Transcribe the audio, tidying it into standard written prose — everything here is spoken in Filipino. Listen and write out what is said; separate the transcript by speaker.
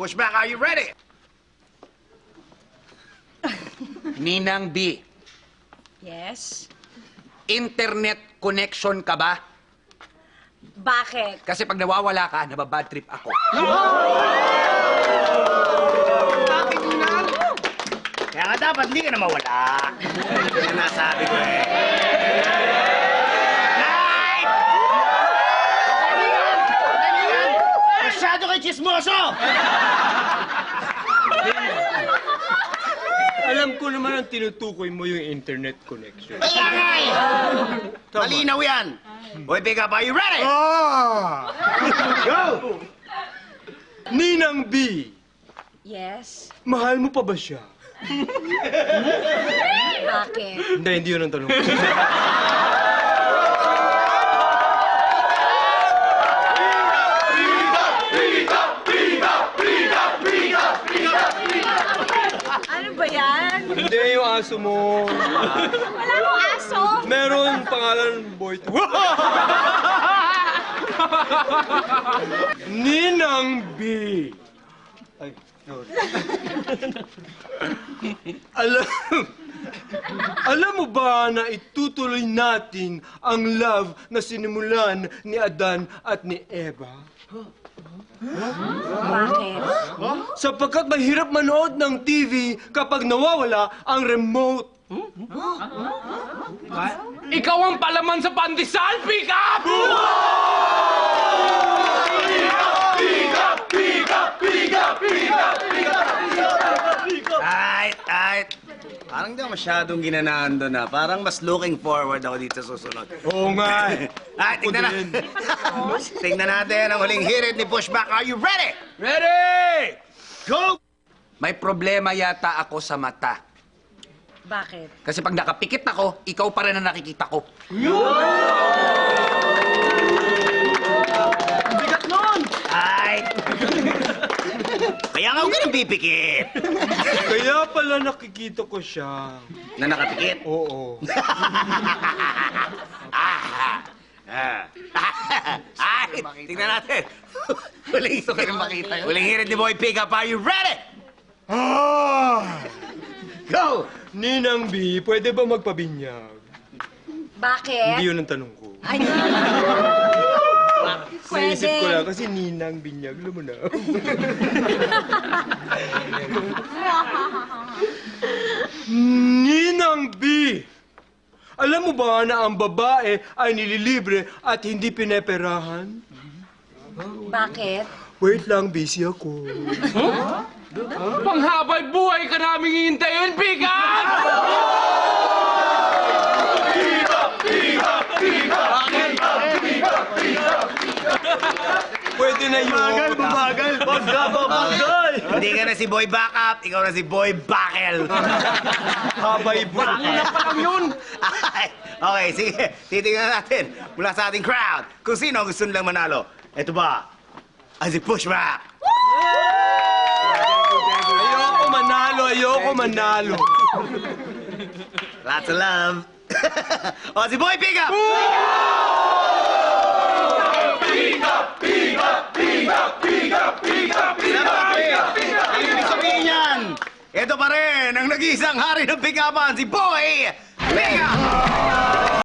Speaker 1: Pushback, are you ready?
Speaker 2: Ninang B,
Speaker 3: Yes?
Speaker 2: internet connection ka ba?
Speaker 3: Bakit?
Speaker 2: Kasi pag nawawala ka, nababad trip ako.
Speaker 1: Kaya nga dapat hindi ka na mawala. Yan ang nasabi ko eh. Night! Masyado kayo chismoso!
Speaker 4: Alam ko naman ang tinutukoy mo yung internet connection.
Speaker 1: Kaya nga eh! Malinaw yan! Boy, pick up, are you ready? Go!
Speaker 4: Ninang B,
Speaker 3: Yes?
Speaker 4: mahal mo pa ba siya?
Speaker 3: Bakit?
Speaker 4: Hindi yun ang tanong ko.
Speaker 3: Ano ba yan?
Speaker 4: Hindi yung aso mo.
Speaker 3: Wala akong aso!
Speaker 4: Meron pangalan Boy. Ninang B. Ay, sorry. Alam mo ba na itutuloy natin ang love na sinimulan ni Adan at ni Eva?
Speaker 3: Bakit?
Speaker 4: Sapagkat mahirap manood ng TV kapag nawawala ang remote. Ikaw ang palaman sa pandesal, pick up!
Speaker 1: Ay. Parang di ako masyadong ginanahan doon na. Parang mas looking forward ako dito sa susunod.
Speaker 4: Oo nga eh.
Speaker 1: Ay, tingnan natin. Tingnan natin ang huling hirit ni Pushback. Are you ready?
Speaker 4: Ready!
Speaker 1: Go!
Speaker 2: May problema yata ako sa mata.
Speaker 3: Bakit?
Speaker 2: Kasi pag nakapikit ako, ikaw pa rin ang nakikita ko.
Speaker 4: Bigat nun!
Speaker 1: Ay! Kaya nga huwag ka nang pipikit.
Speaker 4: Kaya pala nakikita ko siya.
Speaker 1: Na nakapikit?
Speaker 4: Oo.
Speaker 1: Ay! Tingnan natin. Gusto ka rin makita yun. Huling hirit ni Boy Pickup. Are you ready? Go!
Speaker 4: Ninang B, pwede ba magpabinyag?
Speaker 3: Bakit?
Speaker 4: Hindi yun ang tanong ko.
Speaker 3: Ay,
Speaker 4: Naisip ko
Speaker 3: pwede.
Speaker 4: lang kasi ninang binyag, alam mo na. Ninang B! Alam mo ba na ang babae ay nililibre at hindi pineperahan?
Speaker 3: Bakit?
Speaker 4: Wait lang, busy ako.
Speaker 5: Panghabay buhay ka namin hihintayin, Bigan!
Speaker 4: Pwede na yun.
Speaker 1: Bagal!
Speaker 4: Bagal!
Speaker 1: Hindi ka na si Boy Backup, ikaw na si Boy Bakel.
Speaker 4: Habay buhay.
Speaker 1: na pa lang yun! Okay, sige. Titingnan natin mula sa ating crowd kung sino ang gusto nilang manalo. Ito ba? Ay, si Pushback!
Speaker 4: Ayoko manalo.
Speaker 1: Lots of love. O, si Boy Pickup! Ang ibig sabihin yan, ito pa rin ang nag-iisang hari ng pick-upan, si Boy Pickup!